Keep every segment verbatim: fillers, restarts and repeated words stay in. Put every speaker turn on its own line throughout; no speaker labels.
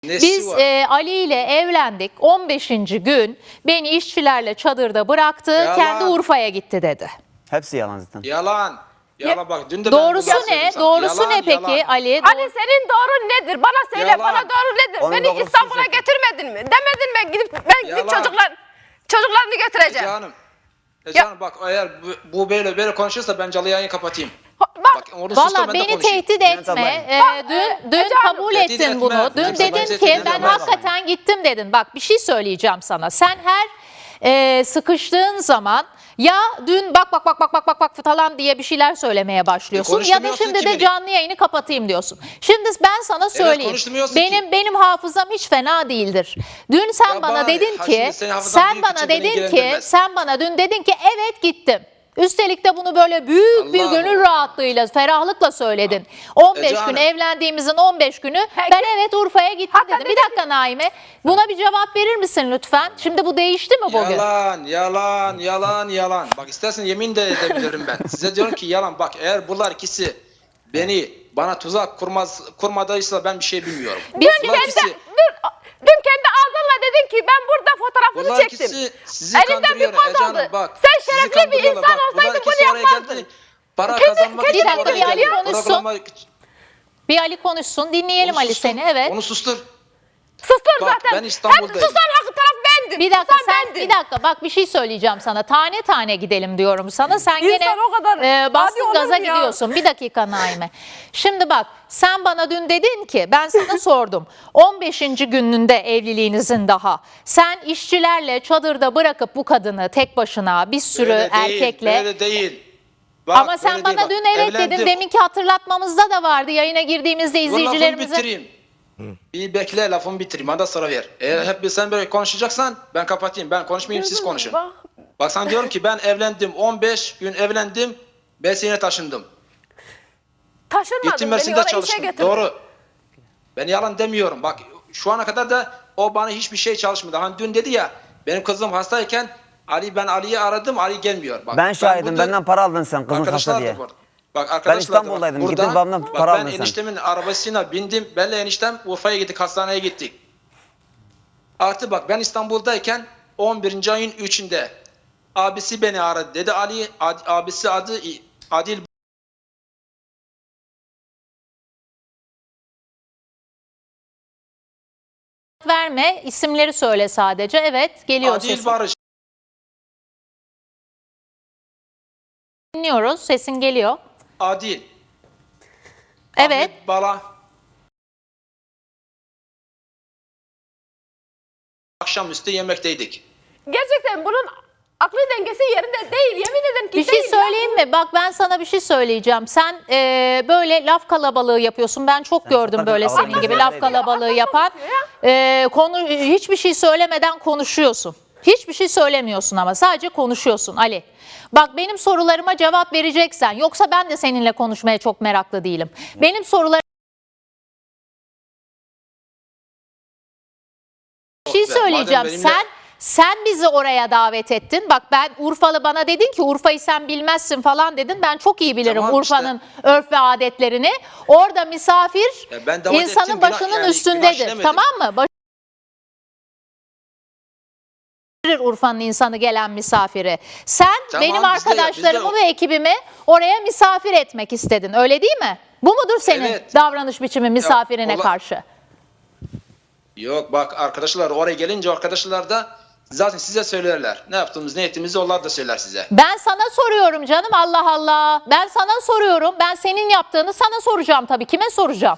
Nesi
Biz
var?
e, Ali ile evlendik. on beşinci gün beni işçilerle çadırda bıraktı.
Yalan.
Kendi Urfa'ya gitti dedi.
Hepsi yalan zaten.
Yalan. Yalan bak dün de ben
Doğrusu
bunları
ne?
söyledim sana.
Doğrusu
Yalan,
ne peki
yalan.
Ali?
Ali senin doğrun nedir? Bana söyle.
Yalan.
Bana doğru nedir?
Onun
Beni
doğrusu
İstanbul'a
zaten.
getirmedin mi? Demedin mi? Gidip ben gidip
Yalan.
çocuklar çocuklarını götüreceğim.
Canım. E canım bak eğer bu, bu böyle böyle konuşursa ben canlı yayını kapatayım.
Bak,
Bak onu sus da
Valla
ben de
beni
konuşayım.
tehdit
Bülent
etme.
ablayım.
Ee,
Bak,
dün
e,
dün
Ece
kabul
Hanım.
ettin
Tehdit
bunu.
etme.
Dün
Yoksa ben
dedin
tehdit
ki
ederim.
ben
Ben
hakikaten gittim dedin. Bak bir şey söyleyeceğim sana. Sen her e, sıkıştığın zaman ya dün bak bak bak bak bak bak bak falan diye bir şeyler söylemeye başlıyorsun. Ya da
konuşturmuyorsun
şimdi
ki
de
beni.
canlı yayını kapatayım diyorsun. Şimdi ben sana söyleyeyim.
konuşturmuyorsun
benim
ki.
benim hafızam hiç fena değildir. Dün sen
Ya
bana
bari,
dedin
ha
ki
şimdi senin hafızan
sen
büyük
bana
için beni
dedin ki
ilgilendirmez.
sen bana dün dedin ki evet gittim. Üstelik de bunu böyle büyük bir
Allah
gönül
Allah.
rahatlığıyla, ferahlıkla söyledin. on beş
Ece
gün
Hanım.
evlendiğimizin on beş günü
Peki.
ben evet Urfa'ya gittim
Hakikaten
dedim. Bir dakika Naime. Buna bir cevap verir misin lütfen? Şimdi bu değişti mi bugün?
Yalan, yalan, yalan, yalan. Bak istersen yemin de edebilirim ben. Size diyorum ki yalan. Bak eğer bunlar ikisi beni bana tuzak kurmaz kurmadıysa ben bir şey bilmiyorum.
Biz
Bunlar
Kendi,
ikisi,
dur, dün kendi ağzınla dedin ki ben burada fotoğrafını
bunlar
çektim.
ikisi sizi
Elinden bir
kandırıyor
poz
Ece Hanım,
aldı.
bak.
Sen
sizi
şerefli bir
kandırıyorlar.
insan
Bak, bunlar
olsaydın
ikisi
bunu
oraya
yapmazdın.
geldi, Para
Kendi-
kazanmak
kendi
için
Bir dakika,
oraya
bir Ali
geldi.
konuşsun.
Programa-
Bir Ali konuşsun. Dinleyelim
Onu
Ali
sustur,
seni. Evet.
Onu sustur.
Sustur
Bak,
zaten.
ben İstanbul'dayım.
Hep susan hakkı taraf bendim.
Bir dakika
Susan
sen
bendim.
bir dakika bak bir şey söyleyeceğim sana. Tane tane gidelim diyorum sana. Sen
İnsan
gene
o kadar
e,
adi
bastın
olur
gaza
mu ya?
gidiyorsun. Bir dakika Naime. Şimdi bak sen bana dün dedin ki ben sana sordum. on beşinci gününde evliliğinizin daha. Sen işçilerle çadırda bırakıp bu kadını tek başına bir sürü
Böyle değil,
erkekle
Böyle değil. Bak,
ama sen
böyle
bana
değil, bak.
dün evet
Evlendim.
dedin. Deminki hatırlatmamızda da vardı. Yayına girdiğimizde
Dur, lafımı
izleyicilerimize.
bitireyim. Bir bekle lafımı bitireyim. Bana sıra ver. Eğer hep bir sen böyle konuşacaksan ben kapatayım. Ben konuşmayayım siz konuşun.
Bak,
Bak sana diyorum ki ben evlendim. on beş gün evlendim. Mersin'e taşındım.
taşınmadın.
Gittim
Beni
Mersin'de
oraya işe
çalıştım.
getirdin.
Doğru. Ben yalan demiyorum. Bak şu ana kadar da o bana hiçbir şey çalışmadı. Hani dün dedi ya benim kızım hastayken Ali ben Ali'yi aradım. Ali gelmiyor. Bak,
Ben şahidim.
burada-
Benden para aldın sen kızın hasta
Arkadaşlar
diye.
da burada. Bak arkadaşlar da
İstanbul'daydım.
bak.
Gittin
Burada-
babamdan
bak,
para
ben
aldın sen.
eniştemin arabasına bindim. Benle eniştem Urfa'ya gittik. Hastaneye gittik. Artı bak ben İstanbul'dayken on birinci ayın üçünde abisi beni aradı. Dedi Ali ad- abisi adı Adil
Verme isimleri söyle sadece. Evet geliyor
Adil
sesin.
Barış.
Dinliyoruz. Sesin geliyor.
Adil.
Evet.
Ahmet Bala. Akşamüstü yemekteydik.
Gerçekten bunun aklı dengesi yerinde değil. Yemin ederim ki
Bir şey
değil ya.
söyleyeyim mi? Bak ben sana bir şey söyleyeceğim. Sen e, böyle laf kalabalığı yapıyorsun. Ben çok gördüm
zaten
böyle
kalabalık
senin gibi
yapıyorsun.
laf kalabalığı yapan. E, konu hiçbir şey söylemeden konuşuyorsun. Hiçbir şey söylemiyorsun ama sadece konuşuyorsun Ali. Bak benim sorularıma cevap vereceksen yoksa ben de seninle konuşmaya çok meraklı değilim. Benim sorularım Bir şey
Güzel. Madem
söyleyeceğim.
benimle-
Sen sen bizi oraya davet ettin. Bak ben Urfalı bana dedin ki Urfa'yı sen bilmezsin falan dedin. Ben çok iyi bilirim
Tamam işte.
Urfa'nın örf ve adetlerini. Orada misafir
Ya ben davet
insanın
ettim, günah-
başının
yani günah
üstündedir.
işlemedim.
Tamam mı? Baş- Urfa'nın insanı gelen misafiri. Sen
Tamam,
benim
biz de-
arkadaşlarımı
biz de-
ve ekibimi oraya misafir etmek istedin. Öyle değil mi? Bu mudur senin
Evet.
davranış biçimi misafirine
ola-
karşı?
Yok bak arkadaşlar oraya gelince arkadaşlar da zaten size söylerler. Ne yaptığımız ne ettiğimizi onlar da söyler size.
Ben sana soruyorum canım Allah Allah. Ben sana soruyorum. Ben senin yaptığını sana soracağım tabii. Kime soracağım?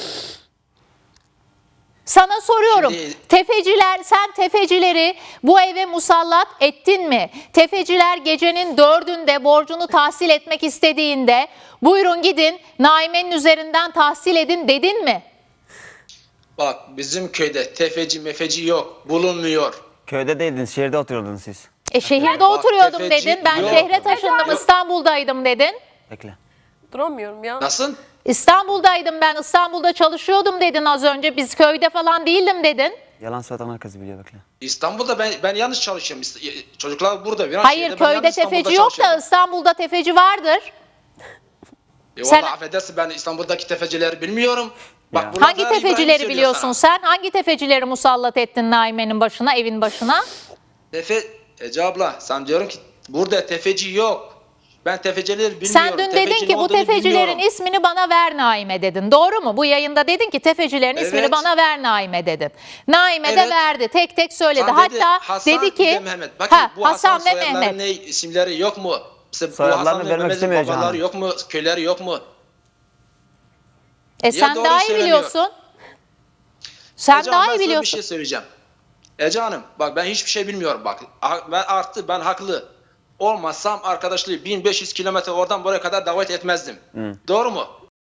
Sana soruyorum.
Şimdi-
Tefeciler, sen tefecileri bu eve musallat ettin mi? Tefeciler gecenin dördünde borcunu tahsil etmek istediğinde buyurun gidin Naime'nin üzerinden tahsil edin dedin mi?
Bak bizim köyde tefeci mefeci yok. Bulunmuyor.
Köyde değildiniz, şehirde oturuyordunuz siz.
E şehirde
Bak,
oturuyordum
tefeci
dedin. Ben
yok.
şehre taşındım
Yok.
İstanbul'daydım dedin.
Bekle.
Duramıyorum ya.
Nasıl?
İstanbul'daydım ben, İstanbul'da çalışıyordum dedin az önce. Biz köyde falan değildim dedin.
Yalan söyleyen herkes biliyor, bekle.
İstanbul'da ben ben yanlış çalışıyorum. İst- Çocuklar burada. Viran
Hayır
şehirde, ben
köyde
yalnız İstanbul'da
tefeci yok da
çalışıyorum.
İstanbul'da tefeci vardır.
E
Sen-
Vallahi affedersin ben İstanbul'daki tefecileri bilmiyorum.
Ya.
Bak, bunlar
Hangi
İbrahim
tefecileri
söylüyor
biliyorsun
sana.
sen? Hangi tefecileri musallat ettin Naime'nin başına, evin başına?
Tefe, Ece abla sana diyorum ki burada tefeci yok. Ben tefecileri bilmiyorum.
Sen dün dedin
Tefeci
ki
ne
bu
olduğunu
tefecilerin
bilmiyorum.
ismini bana ver Naime dedin. Doğru mu? Bu yayında dedin ki tefecilerin ismini
Evet.
bana ver Naime dedin. Naime de
Evet.
verdi. Tek tek söyledi.
Sen dedi,
Hatta
Hasan
dedi
bir
ki
de Mehmet. Bakın
ha,
bu
Hasan,
Hasan
ve
soyadları
Mehmet.
ne, isimleri yok mu? Mesela bu
Soyadlarını
Hasan ve
vermek
Mehmet'in
istemiyor
babaları
Canan.
yok mu? Köyleri yok mu?
E
Niye
sen
doğru
daha iyi
söylemiyor?
biliyorsun. Sen
Ece
daha
Hanım, ben
iyi
sana bir
biliyorsun.
şey söyleyeceğim. Ece Hanım bak ben hiçbir şey bilmiyorum bak. Ha- Ben arttı ben haklı. Olmazsam arkadaşlığı bin beş yüz kilometre oradan buraya kadar davet etmezdim. Doğru mu?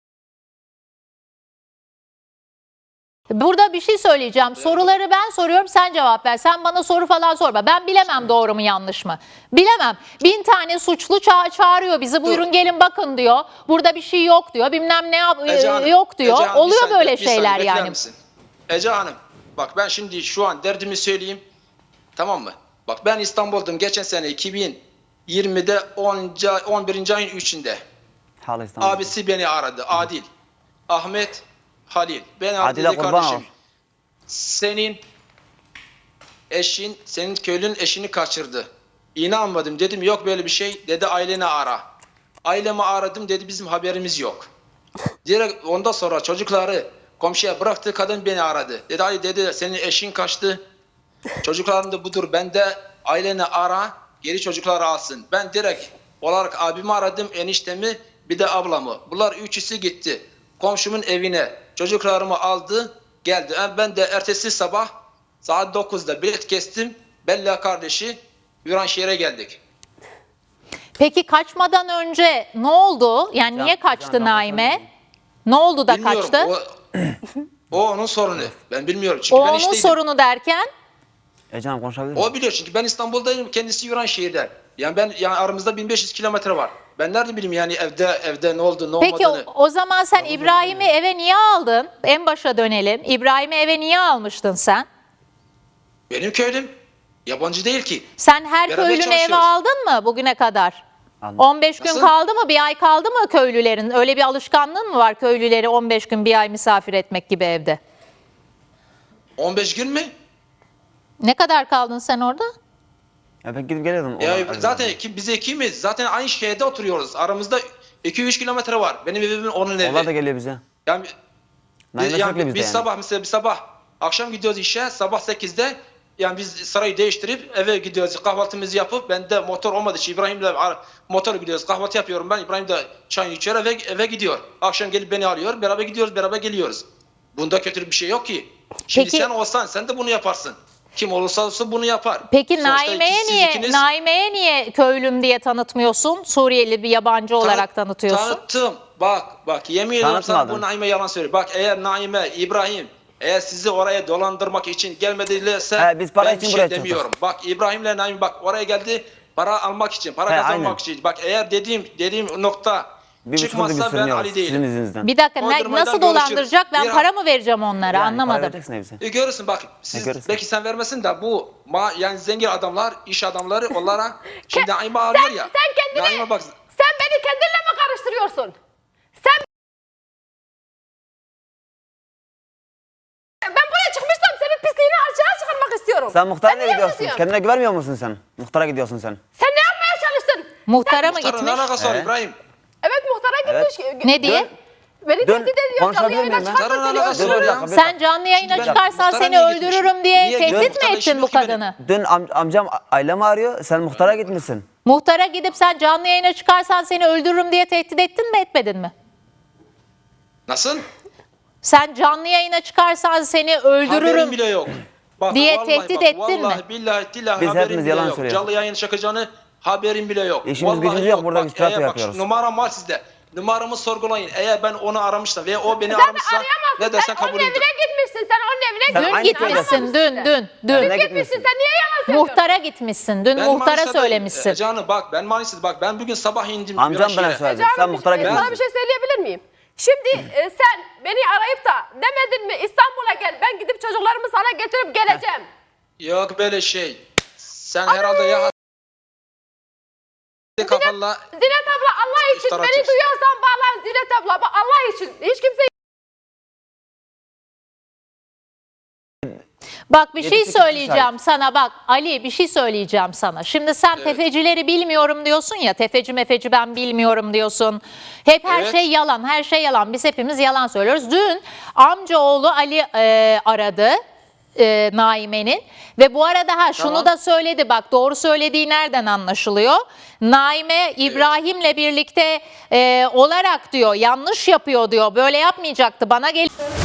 Burada bir şey söyleyeceğim. Soruları ben soruyorum, sen cevap ver. Sen bana soru falan sorma. Ben bilemem doğru mu yanlış mı. Bilemem. Bin tane suçlu ça- çağırıyor bizi. Buyurun gelin bakın diyor. Burada bir şey yok diyor. Bilmem ne yap-
Ece Hanım,
yok diyor.
Ece Hanım, bir
Oluyor
saniye,
böyle
bir saniye
şeyler
bekler
yani.
misin? Ece Hanım bak ben şimdi şu an derdimi söyleyeyim. Tamam mı? Bak ben İstanbul'dum geçen sene iki bin yirmide on birinci ayın üçünde.
Hala İstanbul'da.
Abisi beni aradı. Adil. Ahmet Halil. Beni aradı
Adil'e
dedi
kurban
kardeşim.
ol.
Senin eşin, senin köylünün eşini kaçırdı. İnanmadım. Dedim yok böyle bir şey. Dedi aileni ara. Ailemi aradım dedi bizim haberimiz yok. Direkt ondan sonra çocukları komşuya bıraktı, kadın beni aradı. Dedi Ali dedi senin eşin kaçtı. Çocukların da budur. Ben de aileni ara, geri çocukları alsın. Ben direkt olarak abimi aradım, eniştemi, bir de ablamı. Bunlar üçüsü gitti. Komşumun evine çocuklarımı aldı, geldi. Ben de ertesi sabah saat dokuzda bilet kestim. Bella kardeşi Viranşehir'e geldik.
Peki kaçmadan önce ne oldu? Yani
Can-
niye kaçtı
Can-
Naime? Ne oldu da
Bilmiyorum.
kaçtı?
O, o onun sorunu. Ben bilmiyorum. Çünkü
O
ben
onun
işteydim.
sorunu derken?
Ece Hanım konuşabilir miyim?
O biliyor çünkü ben İstanbul'dayım, kendisi Viranşehir'de. Yani ben yani aramızda bin beş yüz kilometre var. Ben nerede bileyim yani evde evde ne oldu ne
Peki o,
olmadığını.
o zaman sen İbrahim'i eve niye aldın? En başa dönelim. İbrahim'i eve niye almıştın sen?
Benim köylüm yabancı değil ki.
Sen her
Beraber
köylünü eve
çalışıyoruz.
aldın mı bugüne kadar?
Aldım.
on beş gün
Nasıl?
kaldı mı? Bir ay kaldı mı köylülerin? Öyle bir alışkanlığın mı var köylüleri on beş gün bir ay misafir etmek gibi evde?
on beş gün mü?
Ne kadar kaldın sen orada?
Ya ben gidip geliyordum.
Ya
Ona-
zaten ki, biz ikimiz zaten aynı şehirde oturuyoruz. Aramızda iki üç kilometre var. Benim evimin onun evi.
Onlar da geliyor bize.
Yani,
Naime
biz, yani
sürekli
biz
bizde yani.
sabah mesela bir sabah akşam gidiyoruz işe sabah sekizde yani biz sarayı değiştirip eve gidiyoruz kahvaltımızı yapıp ben de motor olmadığı için İbrahim'le ar- motor gidiyoruz kahvaltı yapıyorum ben İbrahim de çay içiyor eve, eve gidiyor. Akşam gelip beni alıyor beraber gidiyoruz beraber geliyoruz. Bunda kötü bir şey yok ki. Şimdi
Peki-
sen olsan sen de bunu yaparsın. Kim olursa olsun bunu yapar.
Peki
Sonuçta
Naime'ye
siz
niye
ikiniz-
Naime'ye niye köylüm diye tanıtmıyorsun? Suriyeli bir yabancı olarak
Tanı-
tanıtıyorsun.
Tanıttım. Bak bak yemin ediyorum sana
Tanıtmadın.
bu Naime yalan söylüyor. Bak eğer Naime, İbrahim eğer sizi oraya dolandırmak için gelmedilerse
He, biz para
ben
için
bir
buraya
şey
çıktık.
demiyorum. Bak İbrahim'le Naime bak oraya geldi para almak için, para
He,
kazanmak
aynen.
için. Bak eğer dediğim dediğim nokta
Bir buçuk yıldır biz
çıkmazsa ben
sürünüyoruz
Ali
sizin
değilim.
yüzünüzden.
Bir dakika ne-
Kondurmadan
nasıl
görüşürüz.
dolandıracak? Ben
Bir-
para mı vereceğim onlara?
Yani para
Anlamadım.
vereceksin hepsi.
E, görürsün bak siz
görürsün.
belki sen vermesin de bu ma, yani zengin adamlar, iş adamları onlara şimdi Naime arıyor
Sen,
ya.
sen kendini,
Naime bak
sen beni kendinle mi karıştırıyorsun? Sen ben buraya çıkmıştım senin pisliğini açığa çıkarmak istiyorum.
Sen muhtara
Ben
ne
niye
gidiyorsun?
kızıyorum?
Kendine güvenmiyor musun sen? Muhtara gidiyorsun sen.
Sen ne yapmaya çalıştın?
Muhtara mı
muhtarın ne
gitmiş?
alakası var
He.
İbrahim?
Evet muhtara gitmiş.
Ne diye?
Beni
Dün
tehdit ediyor.
konuşabilir
Canlı yayına
miyim ben?
çıkarsa
Muhtarın
seni
alakası
Dur,
var
bir
öldürürüm.
dakika, bir
Sen canlı yayına
Ben-
çıkarsan
muhtara
seni
niye gitmiş?
öldürürüm diye
Niye
tehdit
gitmiş?
mi ettin
Muhtarın
bu
işi yok ki
kadını?
Dün am- amcam ailemi arıyor. Sen muhtara gitmişsin.
Muhtara gidip sen canlı yayına çıkarsan seni öldürürüm diye tehdit ettin mi etmedin mi?
Nasıl?
Sen canlı yayına çıkarsan seni
Haberim
öldürürüm.
bile yok. Bak,
diye
vallahi
tehdit
bak,
ettin mi?
Vallahi billahi tillahi
Biz
haberim
hepimiz
bile
yalan
yok.
söylüyoruz.
Canlı yayın çakacağını haberim bile yok.
İşimiz
Vallahi
gücümüz yok, burada
Bak,
biz tiyatro
eğer bak,
yapıyoruz.
numaram var sizde. Numaramı sorgulayın. Eğer ben onu aramışsam veya o beni
Sen
aramışsa
arayamazsın.
ne dersen
Sen
kabul
onun
ederim.
evine gitmişsin. Sen onun evine
Sen
Dün
aynı
gitmişsin
köydesin.
dün dün dün.
Ne
Dün gitmişsin.
gitmişsin?
Sen niye yalan söylüyorsun?
Muhtara gitmişsin. Dün
Ben
muhtara
Manisa'da-
söylemişsin.
E, Canım bak ben Manisa'da bak ben bugün sabah indim.
Amcam bana
Viranşehir'e.
söyledi.
Canım,
Sen muhtara
e, Sana bir
gitmişsin.
şey söyleyebilir miyim? Şimdi e, sen beni arayıp da demedin mi İstanbul'a gel ben gidip çocuklarımı sana getirip geleceğim.
Yok böyle şey. Sen herhalde ya kafalla
Zinet abla Allah için
İftara
beni
atıyorsun.
duyuyorsan bağlan Zinet abla. Bak Allah için hiç kimse
Bak bir
Yedi,
şey
sekiz
söyleyeceğim
şahit.
sana bak Ali bir şey söyleyeceğim sana. Şimdi sen tefecileri bilmiyorum diyorsun ya tefeci mefeci ben bilmiyorum diyorsun. Hep her
Evet.
şey yalan her şey yalan biz hepimiz yalan söylüyoruz. Dün amcaoğlu Ali e, aradı. E, Naime'nin ve bu arada ha şunu
Tamam.
da söyledi bak doğru söylediği nereden anlaşılıyor? Naime İbrahim'le birlikte e, olarak diyor yanlış yapıyor diyor böyle yapmayacaktı bana gel